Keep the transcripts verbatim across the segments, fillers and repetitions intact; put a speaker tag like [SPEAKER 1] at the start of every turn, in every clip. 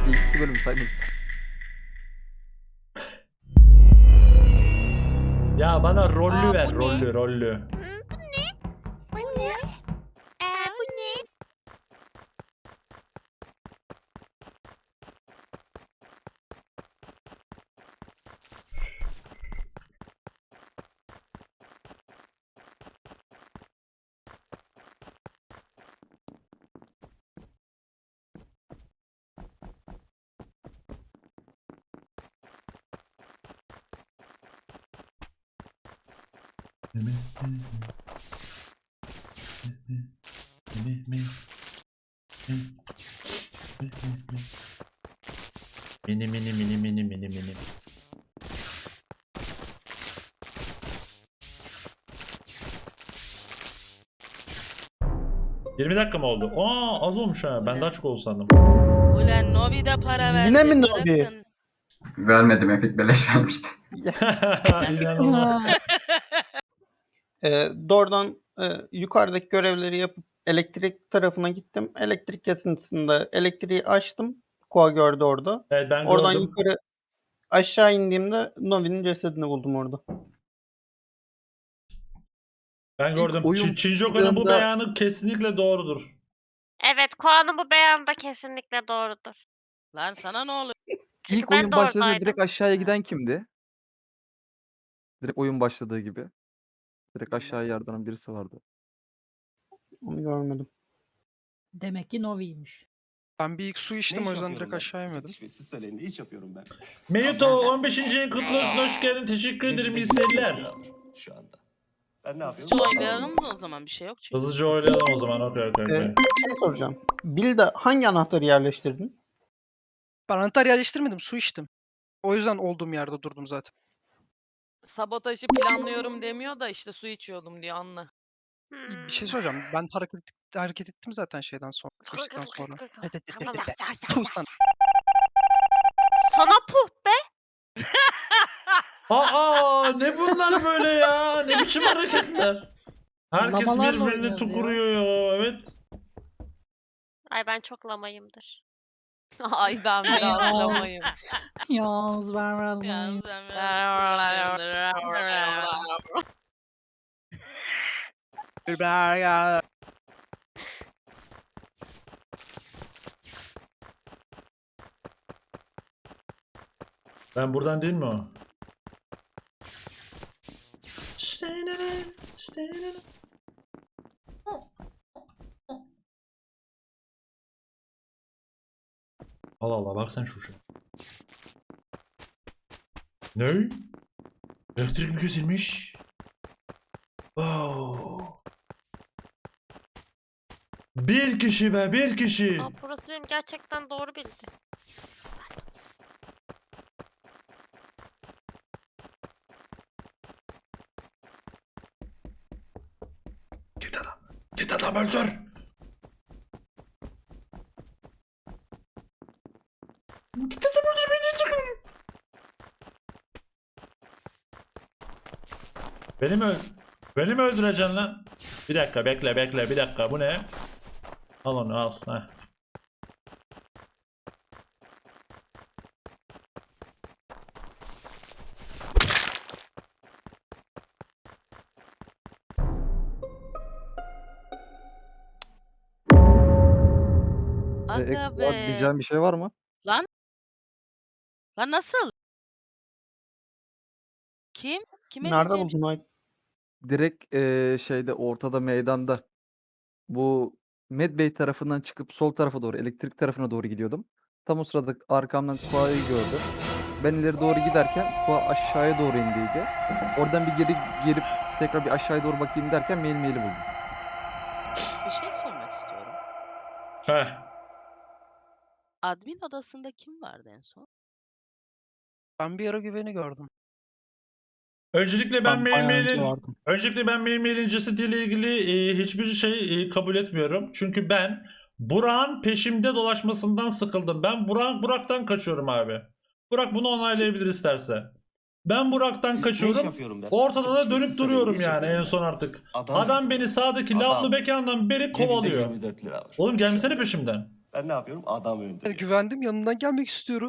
[SPEAKER 1] İlk iki bölüm saymaz.
[SPEAKER 2] Ya bana rollü
[SPEAKER 3] Aa,
[SPEAKER 2] ver,
[SPEAKER 3] bu ne?
[SPEAKER 2] rollü, rollü.
[SPEAKER 3] Hı, bu ne? Bu ne? Aa, bu ne?
[SPEAKER 2] Mini mini mini mini mini mini. yirmi dakika mı oldu? Aa az olmuş ha. Ben daha çok oldu sandım.
[SPEAKER 4] Ulan Novi de para verdi.
[SPEAKER 5] Yine mi Novi?
[SPEAKER 4] bırakın.
[SPEAKER 6] Vermedim, Epic beleş vermişti.
[SPEAKER 2] İnanılmaz.
[SPEAKER 5] Ee, doğrudan e, yukarıdaki görevleri yapıp elektrik tarafına gittim. Elektrik kesintisinde elektriği açtım. Koa gördü orada.
[SPEAKER 2] Evet ben
[SPEAKER 5] Oradan
[SPEAKER 2] gördüm.
[SPEAKER 5] yukarı aşağı indiğimde Novi'nin cesedini buldum orada.
[SPEAKER 2] Ben gördüm.
[SPEAKER 1] oyun
[SPEAKER 2] Çin Çinjoko'nun bu
[SPEAKER 1] çıktığında-
[SPEAKER 2] beyanı kesinlikle doğrudur.
[SPEAKER 3] Evet, Koa'nın bu beyanı da kesinlikle doğrudur.
[SPEAKER 4] Lan sana ne oluyor?
[SPEAKER 3] Çünkü
[SPEAKER 1] İlk
[SPEAKER 3] ben
[SPEAKER 1] oyun
[SPEAKER 3] de
[SPEAKER 1] başladığı
[SPEAKER 3] oradaydım.
[SPEAKER 1] direkt aşağıya giden kimdi? Direkt oyun başladığı gibi. Direkt aşağıya yardıran birisi vardı.
[SPEAKER 5] Onu görmedim.
[SPEAKER 7] Demek ki Novi'ymiş.
[SPEAKER 8] Ben bir ilk su içtim o yüzden direkt aşağı inmedim.
[SPEAKER 9] Siz söyleyin ne iş yapıyorum ben?
[SPEAKER 2] Meyuto on beşinci ayın kutlu olsun. Hoş geldin. Teşekkür ederim. İyi seyirler.
[SPEAKER 9] Şu anda. Ben ne yapıyorum?
[SPEAKER 4] Hızlıca oylayalım mı o zaman? Bir şey yok çünkü.
[SPEAKER 2] Hızlıca oynayalım o zaman. Okey okey
[SPEAKER 5] Ee,
[SPEAKER 2] okey.
[SPEAKER 5] bir şey soracağım. Bill'de hangi anahtarı yerleştirdin?
[SPEAKER 8] Ben anahtar yerleştirmedim, su içtim. O yüzden olduğum yerde durdum zaten.
[SPEAKER 10] Sabotajı planlıyorum demiyor da işte su içiyordum diyor anla.
[SPEAKER 8] Bir şey soracağım. Ben hareket, hareket ettim zaten şeyden sonra. su içtikten sonra.
[SPEAKER 3] Tamam.
[SPEAKER 8] Tuh sana.
[SPEAKER 3] Sana puh be.
[SPEAKER 2] Aa ne bunlar böyle ya? Ne biçim hareketler? Herkes
[SPEAKER 7] Lamalarla
[SPEAKER 2] birbirini
[SPEAKER 7] oynuyoruz ya.
[SPEAKER 2] tukuruyor ya. Evet.
[SPEAKER 3] Ay ben çok lamayımdır.
[SPEAKER 10] Ay ben bir
[SPEAKER 7] Yalnız.
[SPEAKER 10] atlamayım.
[SPEAKER 7] Yalnız ben biraz
[SPEAKER 4] Yalnız ben biraz-
[SPEAKER 2] Ben buradan değil mi o? Allah Allah bak sen şu şu. Ne? Elektrik mi kesilmiş? Oh. Bir kişi be bir kişi.
[SPEAKER 3] Aa, burası benim gerçekten doğru bildi.
[SPEAKER 2] Git adam. Git adam öldür. Git adam öldür beni çıkın. Beni mi öl Beni mi öldüreceksin lan? Bir dakika bekle bekle bir dakika bu ne? Al onu al. Heh.
[SPEAKER 1] Ee,
[SPEAKER 4] Aga
[SPEAKER 1] ek olarak
[SPEAKER 4] be.
[SPEAKER 1] diyeceğim bir şey var mı?
[SPEAKER 4] Lan nasıl? Kim? Kime
[SPEAKER 5] Nerede
[SPEAKER 4] diyeceğim?
[SPEAKER 5] buldun Ay?
[SPEAKER 1] Direkt eee, şeyde ortada meydanda. Bu Medbay tarafından çıkıp sol tarafa doğru elektrik tarafına doğru gidiyordum. Tam o sırada arkamdan Kua'yı gördüm. Ben ileri doğru giderken Kua aşağıya doğru indiydi. Oradan bir geri gelip tekrar bir aşağıya doğru bakayım derken mail maili buldum.
[SPEAKER 4] Bir şey sormak istiyorum.
[SPEAKER 2] Heh.
[SPEAKER 4] Admin odasında kim vardı en son?
[SPEAKER 8] Ben bir ara güveni gördüm.
[SPEAKER 2] Öncelikle ben
[SPEAKER 5] Ben bayağı önce
[SPEAKER 2] Mail
[SPEAKER 5] vardım.
[SPEAKER 2] Öncelikle ben Mail Mail'in cesediyle ilgili e, hiçbir şey e, kabul etmiyorum. Çünkü ben Burak'ın peşimde dolaşmasından sıkıldım. Ben Burak Burak'tan kaçıyorum abi. Burak bunu onaylayabilir isterse. Ben Burak'tan
[SPEAKER 9] Ne iş
[SPEAKER 2] kaçıyorum.
[SPEAKER 9] yapıyorum ben?
[SPEAKER 2] Ortada da
[SPEAKER 9] Siz
[SPEAKER 2] dönüp
[SPEAKER 9] söyleyin, ne
[SPEAKER 2] duruyorum
[SPEAKER 9] iş
[SPEAKER 2] yani
[SPEAKER 9] yapıyorum
[SPEAKER 2] en
[SPEAKER 9] ben?
[SPEAKER 2] son artık.
[SPEAKER 9] Adam,
[SPEAKER 2] Adam beni sağdaki
[SPEAKER 9] Adam.
[SPEAKER 2] lavlı mekandan beri
[SPEAKER 9] Cebimde
[SPEAKER 2] kovalıyor.
[SPEAKER 9] yirmi dört lira var.
[SPEAKER 2] Oğlum gelmesene
[SPEAKER 9] Şu anda.
[SPEAKER 2] peşimden.
[SPEAKER 9] Ben ne yapıyorum? Adam
[SPEAKER 8] Yani
[SPEAKER 9] öldürüyorum.
[SPEAKER 8] güvendim, yanından gelmek istiyorum.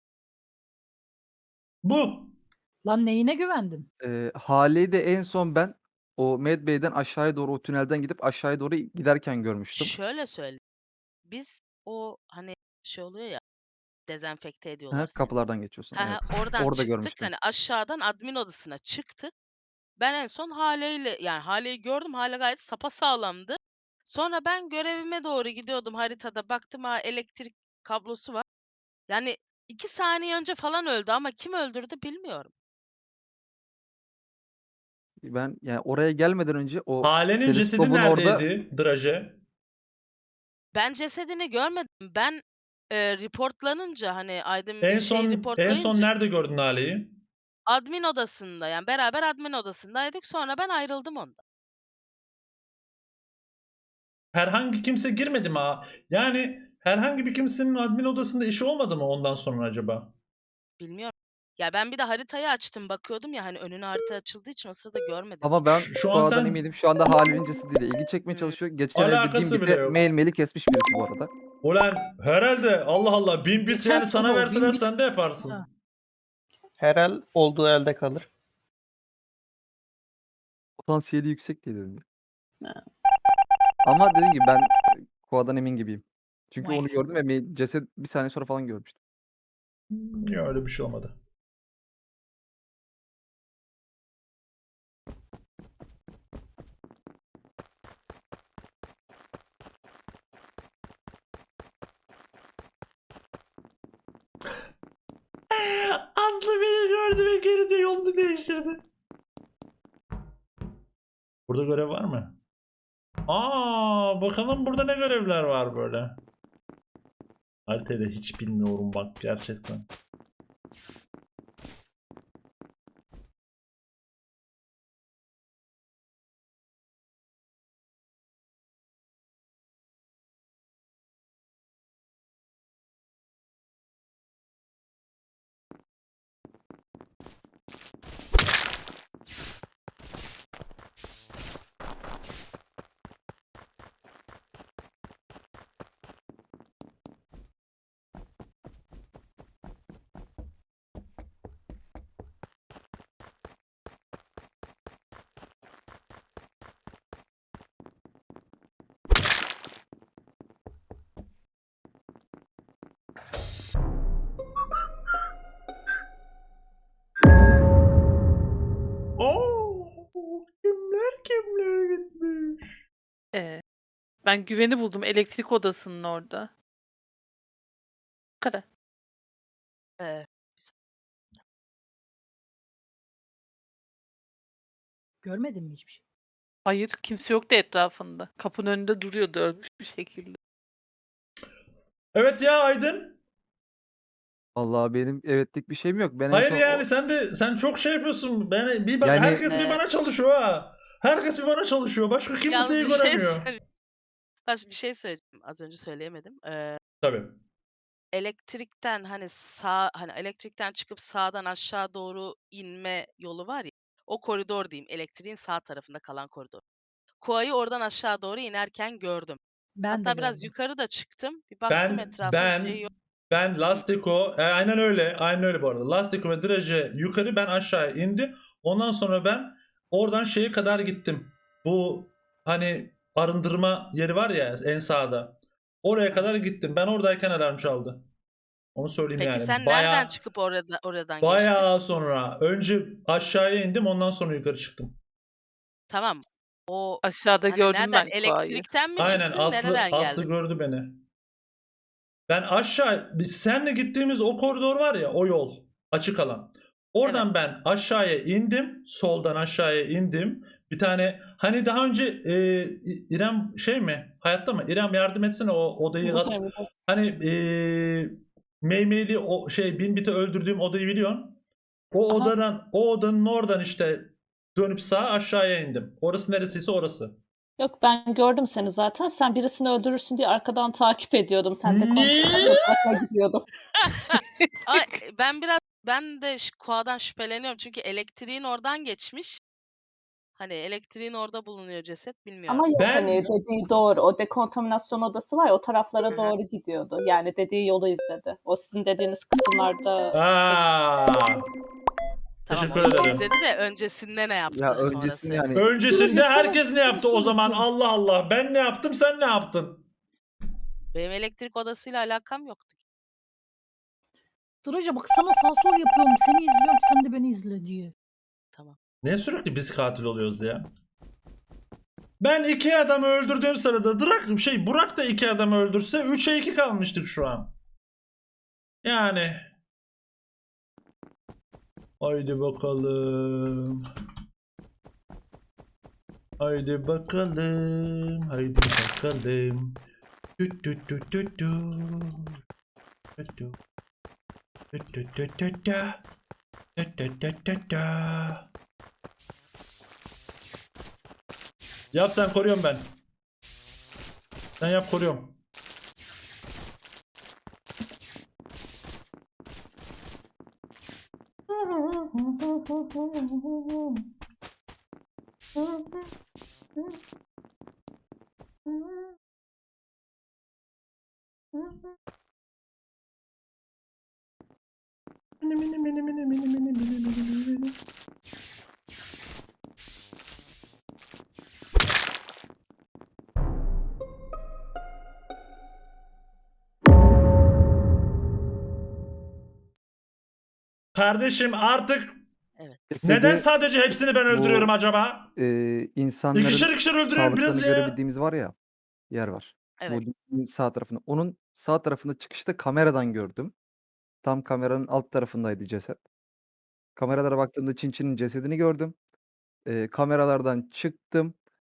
[SPEAKER 2] Bu.
[SPEAKER 7] Lan neyine güvendin?
[SPEAKER 1] Eee, Hale'yi de en son ben o Med Bay'den aşağıya doğru o tünelden gidip aşağıya doğru giderken görmüştüm.
[SPEAKER 4] Şöyle söyleyeyim. Biz o hani şey oluyor ya, dezenfekte
[SPEAKER 1] Hı
[SPEAKER 4] ediyorlar
[SPEAKER 1] hı,
[SPEAKER 4] seni.
[SPEAKER 1] kapılardan geçiyorsun.
[SPEAKER 4] He
[SPEAKER 1] Evet.
[SPEAKER 4] he, oradan
[SPEAKER 1] Orada
[SPEAKER 4] çıktık.
[SPEAKER 1] görmüştüm.
[SPEAKER 4] Hani aşağıdan admin odasına çıktık. Ben en son Hale'yle yani Hale'yi gördüm. Hale gayet sapasağlamdı. Sonra ben görevime doğru gidiyordum. Haritada baktım, ha, elektrik kablosu var. Yani iki saniye önce falan öldü ama kim öldürdü bilmiyorum.
[SPEAKER 1] Ben yani oraya gelmeden önce o
[SPEAKER 2] Hale'nin cesedi
[SPEAKER 1] teleskopun orada
[SPEAKER 2] neredeydi Draje?
[SPEAKER 4] Ben cesedini görmedim. Ben eee, reportlanınca hani Aydın
[SPEAKER 2] En
[SPEAKER 4] bir şeyi
[SPEAKER 2] son en son
[SPEAKER 4] reportlayınca
[SPEAKER 2] nerede gördün Hale'yi?
[SPEAKER 4] admin odasında, yani beraber admin odasındaydık. Sonra ben ayrıldım ondan.
[SPEAKER 2] Herhangi kimse girmedi mi? ha? Yani herhangi bir kimsenin admin odasında işi olmadı mı ondan sonra acaba?
[SPEAKER 4] Bilmiyorum. Ya ben bir de haritayı açtım bakıyordum ya, hani önüne harita açıldığı için o sırada görmedim
[SPEAKER 1] ama
[SPEAKER 4] hiç.
[SPEAKER 1] ben
[SPEAKER 2] Şu, şu an
[SPEAKER 1] Koa'dan
[SPEAKER 2] sen
[SPEAKER 1] eminim. Şu anda Hale'nin cesediyle ilgi çekmeye
[SPEAKER 4] Hımm.
[SPEAKER 1] çalışıyor. Geçen el bildiğim
[SPEAKER 2] alakası bile
[SPEAKER 1] gibi
[SPEAKER 2] yok.
[SPEAKER 1] mail maili kesmiş birisi bu arada.
[SPEAKER 2] Ulan herhalde Allah Allah bin bit
[SPEAKER 7] Geçen
[SPEAKER 2] yani sana
[SPEAKER 7] solo,
[SPEAKER 2] verseler
[SPEAKER 7] bin bit.
[SPEAKER 2] sen de yaparsın.
[SPEAKER 7] Ha.
[SPEAKER 5] Her el olduğu elde kalır.
[SPEAKER 1] Potansiyeli yüksek diye dedim.
[SPEAKER 5] Ha.
[SPEAKER 1] Ama dediğim gibi ben Koa'dan emin gibiyim. Çünkü
[SPEAKER 7] Vay.
[SPEAKER 1] onu gördüm ve mail ceset bir saniye sonra falan görmüştüm.
[SPEAKER 2] Ya öyle bir şey olmadı. Aslı beni gördü ve geri de yolunu değiştirdi. Burada görev var mı? Aa, bakalım burada ne görevler var böyle. Haritayı da hiç bilmiyorum bak gerçekten. Oo, kimler kimler gitmiş.
[SPEAKER 10] Ee, ben güveni buldum elektrik odasının orada. Bu kadar.
[SPEAKER 4] Eee,
[SPEAKER 7] Görmedin mi hiçbir şey?
[SPEAKER 10] Hayır, kimse yoktu etrafında. Kapının önünde duruyordu ölmüş bir şekilde.
[SPEAKER 2] Evet ya Aydın.
[SPEAKER 1] Vallahi benim evetlik bir şeyim yok. Ben en
[SPEAKER 2] Hayır
[SPEAKER 1] son
[SPEAKER 2] yani
[SPEAKER 1] o
[SPEAKER 2] sen de sen çok şey yapıyorsun. Ben bir bak
[SPEAKER 1] Yani
[SPEAKER 2] herkes bir
[SPEAKER 4] eee,
[SPEAKER 2] bana çalışıyor ha. Herkes bir bana çalışıyor. Başka
[SPEAKER 4] yalnız
[SPEAKER 2] kimseyi
[SPEAKER 4] bir şey
[SPEAKER 2] göremiyor.
[SPEAKER 4] söyle baş bir şey söyleyeceğim. Az önce söyleyemedim. Eee,
[SPEAKER 2] Tabii.
[SPEAKER 4] elektrikten hani sağ hani elektrikten çıkıp sağdan aşağı doğru inme yolu var ya. O koridor diyeyim. Elektriğin sağ tarafında kalan koridor. Kuayı oradan aşağı doğru inerken gördüm.
[SPEAKER 7] Ben de
[SPEAKER 4] Hatta biraz
[SPEAKER 7] gördüm.
[SPEAKER 4] yukarı da çıktım. Bir baktım
[SPEAKER 2] Ben
[SPEAKER 4] etrafa, bir şey
[SPEAKER 2] ben
[SPEAKER 4] yok.
[SPEAKER 2] ben Lastico e, aynen öyle. Aynen öyle bu arada. Lastico ve Draje yukarı ben aşağı indi. Ondan sonra ben oradan şeye kadar gittim. Bu hani arındırma yeri var ya en sağda. Oraya
[SPEAKER 4] Hı
[SPEAKER 2] kadar
[SPEAKER 4] hı.
[SPEAKER 2] gittim. Ben oradayken alarm çaldı. Onu söyleyeyim
[SPEAKER 4] Peki
[SPEAKER 2] yani.
[SPEAKER 4] sen nereden
[SPEAKER 2] Baya
[SPEAKER 4] çıkıp orada oradan geçtin?
[SPEAKER 2] baya sonra önce aşağıya indim ondan sonra yukarı çıktım.
[SPEAKER 4] Tamam. O
[SPEAKER 10] Aşağıda
[SPEAKER 4] hani
[SPEAKER 10] gördüm
[SPEAKER 4] nereden?
[SPEAKER 10] ben Kuay'ı.
[SPEAKER 4] Elektrikten mi
[SPEAKER 2] Aynen
[SPEAKER 4] çıktın?
[SPEAKER 2] Aslı
[SPEAKER 4] Nereden
[SPEAKER 2] Aslı
[SPEAKER 4] geldin?
[SPEAKER 2] gördü beni. Ben aşağı biz senle gittiğimiz o koridor var ya o yol açık alan.
[SPEAKER 4] Evet.
[SPEAKER 2] Oradan ben aşağıya indim. Soldan aşağıya indim. Bir tane hani daha önce e, İ- İrem şey mi? Hayatta mı? İrem yardım etsene o odayı.
[SPEAKER 7] Burada, burada.
[SPEAKER 2] Hani e, Meymeyli o şey Bin Bit'i öldürdüğüm odayı biliyorsun. O
[SPEAKER 7] Aha.
[SPEAKER 2] odanın o odanın oradan işte dönüp sağa aşağıya indim. Orası neresiyse orası.
[SPEAKER 11] Yok ben gördüm seni zaten. Sen birisini öldürürsün diye arkadan takip ediyordum. Sen de
[SPEAKER 2] Ne?
[SPEAKER 11] kontrol gidiyordum.
[SPEAKER 4] Ay, ben biraz ben de ş- Kua'dan şüpheleniyorum çünkü elektriğin oradan geçmiş. Hani elektriğin orada bulunuyor ceset bilmiyorum.
[SPEAKER 11] Ama yok
[SPEAKER 2] Ben-
[SPEAKER 11] hani dediği doğru. O dekontaminasyon odası var ya o taraflara
[SPEAKER 4] Hı hı.
[SPEAKER 11] doğru gidiyordu. Yani dediği yolu izledi. O sizin dediğiniz kısımlarda
[SPEAKER 2] Aa.
[SPEAKER 4] Tamam
[SPEAKER 2] Teşekkür
[SPEAKER 4] o yolu
[SPEAKER 2] ederim.
[SPEAKER 4] izledi de öncesinde ne yaptı?
[SPEAKER 1] Ya
[SPEAKER 4] Orası
[SPEAKER 1] öncesinde
[SPEAKER 4] önemli.
[SPEAKER 1] yani
[SPEAKER 2] Öncesinde
[SPEAKER 7] Duruşu
[SPEAKER 2] herkes
[SPEAKER 7] sana-
[SPEAKER 2] ne yaptı o
[SPEAKER 7] duruşu
[SPEAKER 2] zaman?
[SPEAKER 7] bakıyorum.
[SPEAKER 2] Allah Allah. Ben ne yaptım, sen ne yaptın?
[SPEAKER 4] Benim elektrik odasıyla alakam yoktu.
[SPEAKER 7] Duraca bak sana sağ sol yapıyorum. Seni izliyorum sen de beni izle diye.
[SPEAKER 4] Tamam.
[SPEAKER 2] Niye sürekli biz katil oluyoruz ya? Ben iki adamı öldürdüğüm sırada Burak, şey, Burak da iki adamı öldürse üçe iki kalmıştık şu an. Yani. Haydi bakalım. Haydi bakalım. Haydi bakalım. Tüt tüt tüt tüt tüt. Tüt tüt. Tüt tüt tüt tüt tüt. Tüt tüt tüt tüt tüt. Yap sen, koruyorum ben. Sen yap, koruyorum. Kardeşim artık
[SPEAKER 4] Evet.
[SPEAKER 2] neden
[SPEAKER 1] cesedi,
[SPEAKER 2] sadece hepsini ben
[SPEAKER 1] bu-
[SPEAKER 2] öldürüyorum acaba?
[SPEAKER 1] eee, insanların
[SPEAKER 2] İkişer ikişer öldürüyorum biraz
[SPEAKER 1] sağlıklarını
[SPEAKER 2] ya.
[SPEAKER 1] görebildiğimiz var ya, yer var.
[SPEAKER 4] Evet.
[SPEAKER 1] Bu dükkanın sağ tarafında. Onun sağ tarafında çıkışta kameradan gördüm. Tam kameranın alt tarafındaydı ceset. Kameralara baktığımda Çinçin'in cesedini gördüm. Eee, kameralardan çıktım.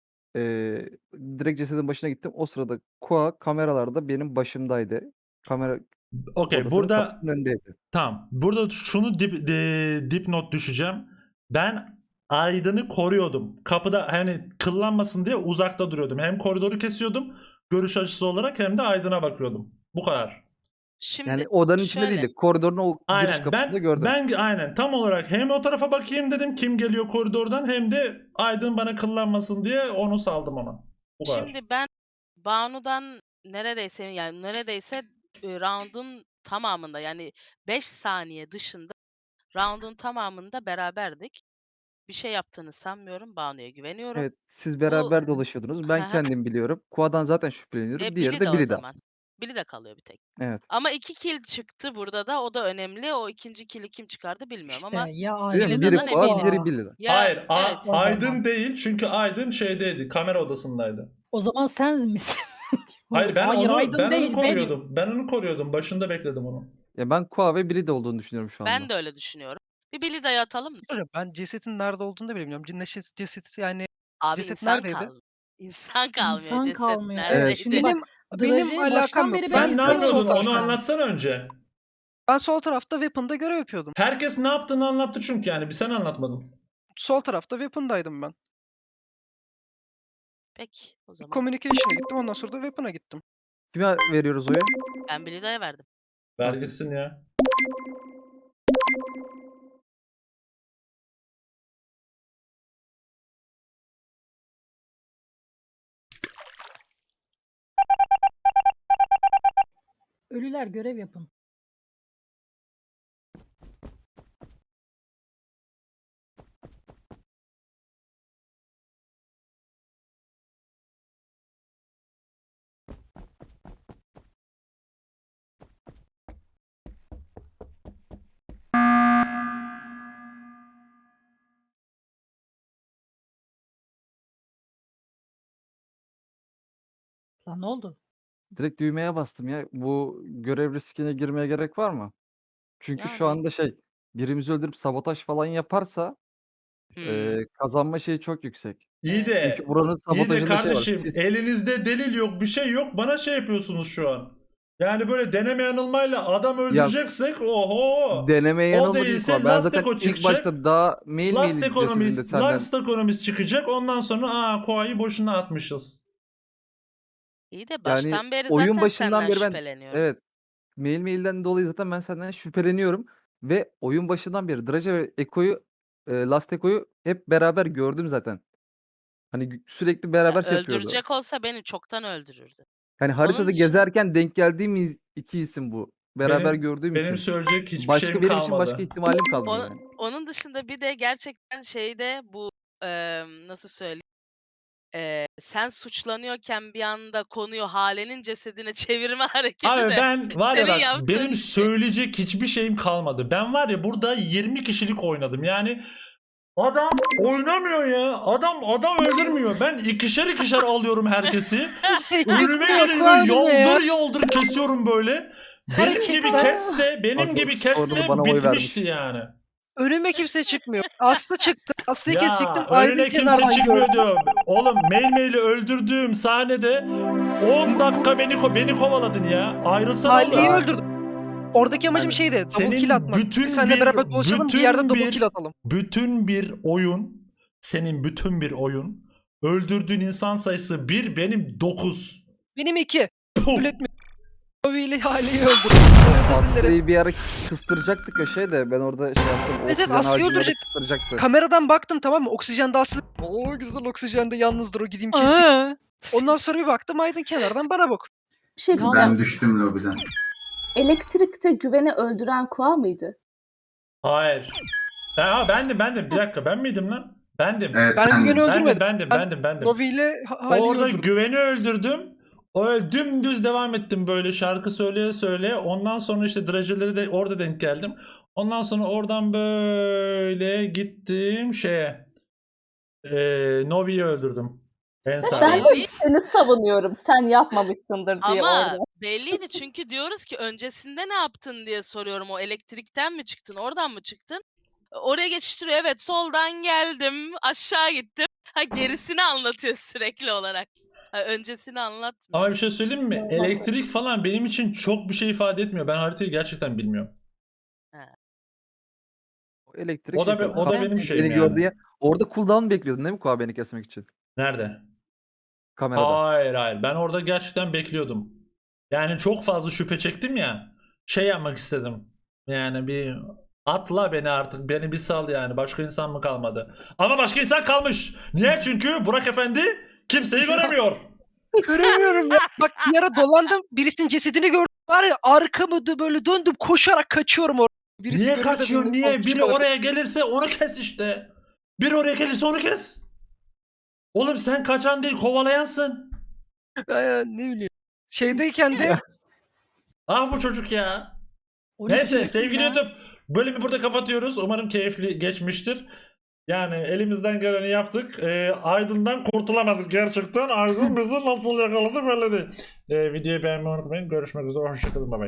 [SPEAKER 1] Eee, direkt cesedin başına gittim. O sırada Kua kameralarda benim başımdaydı. Kamera
[SPEAKER 2] Okey,
[SPEAKER 1] odasının
[SPEAKER 2] burada
[SPEAKER 1] kapısının önündeydi.
[SPEAKER 2] tamam. Burada şunu dip, de, dipnot düşeceğim. Ben Aydın'ı koruyordum. Kapıda hani kıllanmasın diye uzakta duruyordum. Hem koridoru kesiyordum görüş açısı olarak hem de Aydın'a bakıyordum. Bu kadar.
[SPEAKER 4] Şimdi
[SPEAKER 1] Yani odanın içinde
[SPEAKER 4] şöyle.
[SPEAKER 1] değildi. Koridorun o giriş
[SPEAKER 2] Aynen,
[SPEAKER 1] kapısında
[SPEAKER 2] ben
[SPEAKER 1] gördüm.
[SPEAKER 2] ben aynen tam olarak hem o tarafa bakayım dedim kim geliyor koridordan, hem de Aydın bana kıllanmasın diye onu saldım ona. Bu kadar.
[SPEAKER 4] Şimdi ben Banu'dan neredeyse yani neredeyse e, round'un tamamında yani beş saniye dışında round'un tamamında beraberdik. Bir şey yaptığını sanmıyorum. Banu'ya güveniyorum.
[SPEAKER 1] Evet, siz
[SPEAKER 4] Bu
[SPEAKER 1] beraber dolaşıyordunuz. Ben
[SPEAKER 4] Hı hı.
[SPEAKER 1] kendim biliyorum. Kua'dan zaten şüpheleniyorum.
[SPEAKER 4] E,
[SPEAKER 1] Diğeri
[SPEAKER 4] Billy
[SPEAKER 1] de
[SPEAKER 4] de o
[SPEAKER 1] Billy'den.
[SPEAKER 4] zaman. Billy de kalıyor bir tek.
[SPEAKER 1] Evet.
[SPEAKER 4] Ama iki kill çıktı burada da. O da önemli. O ikinci kill'i kim çıkardı bilmiyorum
[SPEAKER 7] İşte
[SPEAKER 4] ama
[SPEAKER 7] ya
[SPEAKER 1] Değil mi?
[SPEAKER 7] Aydın
[SPEAKER 1] Biri
[SPEAKER 7] ya
[SPEAKER 4] Billy'den
[SPEAKER 1] Kua,
[SPEAKER 4] eminim.
[SPEAKER 1] biri
[SPEAKER 7] Kua.
[SPEAKER 1] Billy'den.
[SPEAKER 4] Ya
[SPEAKER 2] Hayır, A-
[SPEAKER 4] evet.
[SPEAKER 7] O zaman.
[SPEAKER 2] Aydın değil çünkü Aydın şeydeydi, kamera odasındaydı.
[SPEAKER 7] O zaman sen misin?
[SPEAKER 2] Hayır, ben
[SPEAKER 7] Hayır
[SPEAKER 2] onu
[SPEAKER 7] Aydın
[SPEAKER 2] ben
[SPEAKER 7] değil
[SPEAKER 2] onu
[SPEAKER 7] benim.
[SPEAKER 2] koruyordum. Ben onu koruyordum. Başında bekledim onu.
[SPEAKER 1] Ya ben Kua ve Billy de olduğunu düşünüyorum şu anda.
[SPEAKER 4] Ben de öyle düşünüyorum. Bir Billy dayı atalım mı?
[SPEAKER 8] Hocam ben cesetin nerede olduğunu da bilmiyorum. Ceset, ceset yani
[SPEAKER 4] Abi
[SPEAKER 8] ceset
[SPEAKER 4] insan
[SPEAKER 8] neredeydi?
[SPEAKER 4] kalmıyor. İnsan kalmıyor.
[SPEAKER 7] İnsan
[SPEAKER 4] Ceset
[SPEAKER 7] kalmıyor. Evet,
[SPEAKER 4] neredeydi?
[SPEAKER 7] şimdi bak
[SPEAKER 8] Benim benim
[SPEAKER 7] Draja'yı
[SPEAKER 8] alakam
[SPEAKER 7] baştan
[SPEAKER 8] yok.
[SPEAKER 7] beri ben
[SPEAKER 2] Sen ne
[SPEAKER 8] Ben, ben sol
[SPEAKER 7] izliyorum
[SPEAKER 2] yapıyordun? Onu
[SPEAKER 8] taraftayım.
[SPEAKER 7] zaten.
[SPEAKER 2] anlatsana önce.
[SPEAKER 8] Ben sol tarafta Weapon'da görev yapıyordum.
[SPEAKER 2] Herkes ne yaptığını anlattı çünkü yani. Bir sen anlatmadın.
[SPEAKER 8] Sol tarafta Weapon'daydım ben.
[SPEAKER 4] Peki o zaman.
[SPEAKER 8] Communication'a gittim. Ondan sonra da Weapon'a gittim.
[SPEAKER 1] Kime veriyoruz oyu?
[SPEAKER 4] Ben Billy dayı verdim.
[SPEAKER 2] Ver
[SPEAKER 1] Okey.
[SPEAKER 2] gitsin ya.
[SPEAKER 7] Ölüler görev yapın. Lan ne oldu?
[SPEAKER 1] Direkt düğmeye bastım ya. Bu görev riskine girmeye gerek var mı? Çünkü şu
[SPEAKER 4] Yani.
[SPEAKER 1] anda şey, birimizi öldürüp sabotaj falan yaparsa
[SPEAKER 4] Hmm.
[SPEAKER 1] eee, kazanma şeyi çok yüksek.
[SPEAKER 2] İyi
[SPEAKER 4] Evet.
[SPEAKER 1] Çünkü
[SPEAKER 2] de
[SPEAKER 1] buranın
[SPEAKER 2] iyi de
[SPEAKER 1] sabotajında şey var.
[SPEAKER 2] kardeşim,
[SPEAKER 1] Siz
[SPEAKER 2] elinizde delil yok, bir şey yok. Bana şey yapıyorsunuz şu an. Yani böyle deneme yanılmayla adam
[SPEAKER 1] ya
[SPEAKER 2] öldüreceksek oho.
[SPEAKER 1] deneme
[SPEAKER 2] O
[SPEAKER 1] yanılma değil
[SPEAKER 2] değilse
[SPEAKER 1] Kua. Ben
[SPEAKER 2] Last
[SPEAKER 1] zaten
[SPEAKER 2] Echo
[SPEAKER 1] ilk
[SPEAKER 2] çıkacak.
[SPEAKER 1] başta daha mail
[SPEAKER 2] Last
[SPEAKER 1] mail cesedinde
[SPEAKER 2] Economist,
[SPEAKER 1] senden
[SPEAKER 2] Last Economist çıkacak. Ondan sonra aa Koa'yı boşuna atmışız.
[SPEAKER 4] İyi de
[SPEAKER 1] yani
[SPEAKER 4] baştan beri
[SPEAKER 1] oyun
[SPEAKER 4] zaten
[SPEAKER 1] başından
[SPEAKER 4] senden
[SPEAKER 1] beri ben
[SPEAKER 4] şüpheleniyoruz.
[SPEAKER 1] evet mail mailden dolayı zaten ben senden şüpheleniyorum ve oyun başından beri Draja ve Eko'yu eee, Last Eko'yu hep beraber gördüm zaten. Hani gü sürekli beraber şey yapıyordu.
[SPEAKER 4] Öldürecek olsa beni çoktan öldürürdü.
[SPEAKER 1] Hani haritada
[SPEAKER 4] dışında-
[SPEAKER 1] gezerken denk geldiğim iz iki isim bu. Beraber
[SPEAKER 2] Benim-
[SPEAKER 1] gördüğüm
[SPEAKER 2] Benim
[SPEAKER 1] isim.
[SPEAKER 2] söyleyecek hiçbir
[SPEAKER 1] Başka
[SPEAKER 2] şeyim
[SPEAKER 1] benim
[SPEAKER 2] kalmadı.
[SPEAKER 1] için başka ihtimalim kalmıyor
[SPEAKER 4] Onu-
[SPEAKER 1] yani.
[SPEAKER 4] Onun dışında bir de gerçekten şeyde bu emm, nasıl söyleyeyim? Eee, sen suçlanıyorken bir anda konuyu Hale'nin cesedine çevirme hareketi
[SPEAKER 2] Abi
[SPEAKER 4] de
[SPEAKER 2] ben var ya
[SPEAKER 4] senin
[SPEAKER 2] bak
[SPEAKER 4] yaptığın
[SPEAKER 2] benim
[SPEAKER 4] şey.
[SPEAKER 2] söyleyecek hiçbir şeyim kalmadı. Ben var ya burada yirmi kişilik oynadım. Yani adam oynamıyor ya. Adam adam öldürmüyor. Ben ikişer ikişer alıyorum herkesi.
[SPEAKER 8] Kimse
[SPEAKER 2] Önüme
[SPEAKER 8] çıkmıyor
[SPEAKER 2] geliyor
[SPEAKER 8] Kuanime ya.
[SPEAKER 2] yoldur yoldur kesiyorum böyle. Benim gibi
[SPEAKER 8] Gerçekten.
[SPEAKER 2] kesse, benim
[SPEAKER 1] Bak,
[SPEAKER 2] gibi
[SPEAKER 1] o sorunu
[SPEAKER 2] kesse
[SPEAKER 1] bana oy
[SPEAKER 2] bitmişti
[SPEAKER 1] vermiş.
[SPEAKER 2] yani.
[SPEAKER 8] Önüme kimse çıkmıyor. Aslı çıktı. Aslı'yı
[SPEAKER 2] Ya
[SPEAKER 8] kesecektim. Aydın
[SPEAKER 2] önüne kimse
[SPEAKER 8] kenardan
[SPEAKER 2] çıkmıyor
[SPEAKER 8] gördüm.
[SPEAKER 2] diyor. Oğlum mail maili öldürdüğüm sahnede on dakika beni ko- beni kovaladın ya. Ayrılsana
[SPEAKER 8] Ali'yi
[SPEAKER 2] oğlum.
[SPEAKER 8] öldürdüm. Oradaki amacım
[SPEAKER 1] Aynen.
[SPEAKER 8] şeydi. Double
[SPEAKER 2] Senin
[SPEAKER 8] kill atmak.
[SPEAKER 2] bütün
[SPEAKER 8] Bir seninle
[SPEAKER 2] bir-
[SPEAKER 8] beraber dolaşalım bir yerde
[SPEAKER 2] bütün
[SPEAKER 8] double
[SPEAKER 2] bir-
[SPEAKER 8] kill atalım.
[SPEAKER 2] Bütün bir oyun, senin bütün bir oyun, öldürdüğün insan sayısı bir, benim dokuz.
[SPEAKER 8] Benim iki.
[SPEAKER 2] Puh!
[SPEAKER 8] Kabul etmiyorum. Novi ile Ali'yi öldürdüm. Özür dilerim.
[SPEAKER 1] Aslı'yı bir ara kıstıracaktık ya şey de ben orada şey yaptım.
[SPEAKER 8] Evet,
[SPEAKER 1] Oksijen
[SPEAKER 8] Aslı'yı
[SPEAKER 1] harcını
[SPEAKER 8] öldürecek.
[SPEAKER 1] kıstıracaktı.
[SPEAKER 8] Kameradan baktım tamam mı? Oksijende Aslı. Oo güzel oksijende yalnızdır o gideyim keseyim.
[SPEAKER 10] Aa,
[SPEAKER 8] Ondan sonra bir baktım Aydın kenardan bana bak.
[SPEAKER 11] Bir şey diyeceğim.
[SPEAKER 6] Ben düştüm lobiden.
[SPEAKER 11] Elektrikte güveni öldüren Kua mıydı?
[SPEAKER 2] Hayır. Ha, bendim bendim. Bir dakika ben miydim lan? Bendim.
[SPEAKER 6] Evet
[SPEAKER 8] Ben
[SPEAKER 6] sen
[SPEAKER 8] güveni
[SPEAKER 6] de.
[SPEAKER 2] Bendim
[SPEAKER 8] öldürmedim.
[SPEAKER 2] bendim
[SPEAKER 8] Ben
[SPEAKER 2] bendim bendim.
[SPEAKER 8] Novi ile Ha- Ali'yi
[SPEAKER 2] Orada
[SPEAKER 8] öldürdüm.
[SPEAKER 2] güveni öldürdüm. O dümdüz devam ettim böyle şarkı söyleye söyleye. Ondan sonra işte drajeleri de orada denk geldim. Ondan sonra oradan böyle gittim şeye. Eee Novi'yi öldürdüm. En sağda.
[SPEAKER 11] Ben de seni savunuyorum. Sen yapmamışsındır diye
[SPEAKER 4] Ama
[SPEAKER 11] orada.
[SPEAKER 4] belliydi çünkü diyoruz ki öncesinde ne yaptın diye soruyorum. O elektrikten mi çıktın, oradan mı çıktın? Oraya geçiştiriyor. Evet, soldan geldim, aşağı gittim. Ha gerisini anlatıyor sürekli olarak. Ha, öncesini anlatmıyor.
[SPEAKER 2] Ama bir şey söyleyeyim mi?
[SPEAKER 11] Olmaz.
[SPEAKER 2] Elektrik falan benim için çok bir şey ifade etmiyor. Ben haritayı gerçekten bilmiyorum.
[SPEAKER 1] Elektrik
[SPEAKER 2] O da
[SPEAKER 1] şey
[SPEAKER 2] be-
[SPEAKER 1] tabii.
[SPEAKER 2] o da
[SPEAKER 1] Kua
[SPEAKER 2] benim şeyim
[SPEAKER 1] beni
[SPEAKER 2] yani.
[SPEAKER 1] gördü ya. Orada cooldown bekliyordun değil mi Kua beni kesmek için?
[SPEAKER 2] Nerede?
[SPEAKER 1] Kamerada.
[SPEAKER 2] Hayır hayır. Ben orada gerçekten bekliyordum. Yani çok fazla şüphe çektim ya. Şey yapmak istedim. Yani bir atla beni artık. Beni bir sal yani. Başka insan mı kalmadı? Ama başka insan kalmış. Niye? Çünkü Burak Efendi kimseyi göremiyor.
[SPEAKER 8] Göremiyorum ya. Bak bir ara dolandım. Birisinin cesedini gördüm. Var ya arkamı da böyle döndüm koşarak kaçıyorum oraya. Birisi
[SPEAKER 2] Niye
[SPEAKER 8] görür de
[SPEAKER 2] kaçıyor?
[SPEAKER 8] beni
[SPEAKER 2] Niye?
[SPEAKER 8] alıp
[SPEAKER 2] Biri
[SPEAKER 8] çıkarır.
[SPEAKER 2] oraya gelirse onu kes işte. Biri oraya gelirse onu kes. Oğlum sen kaçan değil kovalayansın.
[SPEAKER 8] Ay, ne bileyim. Şeydeyken de
[SPEAKER 2] Ah bu çocuk ya.
[SPEAKER 7] O
[SPEAKER 2] Neyse
[SPEAKER 7] yüzden
[SPEAKER 2] sevgili
[SPEAKER 7] ya.
[SPEAKER 2] YouTube bölümü burada kapatıyoruz. Umarım keyifli geçmiştir. Yani elimizden geleni yaptık. Ee, Aydın'dan kurtulamadık gerçekten. Aydın bizi nasıl yakaladı belli değil. Ee, videoyu beğenmeyi unutmayın. Görüşmek üzere. Hoşçakalın. Bye bye.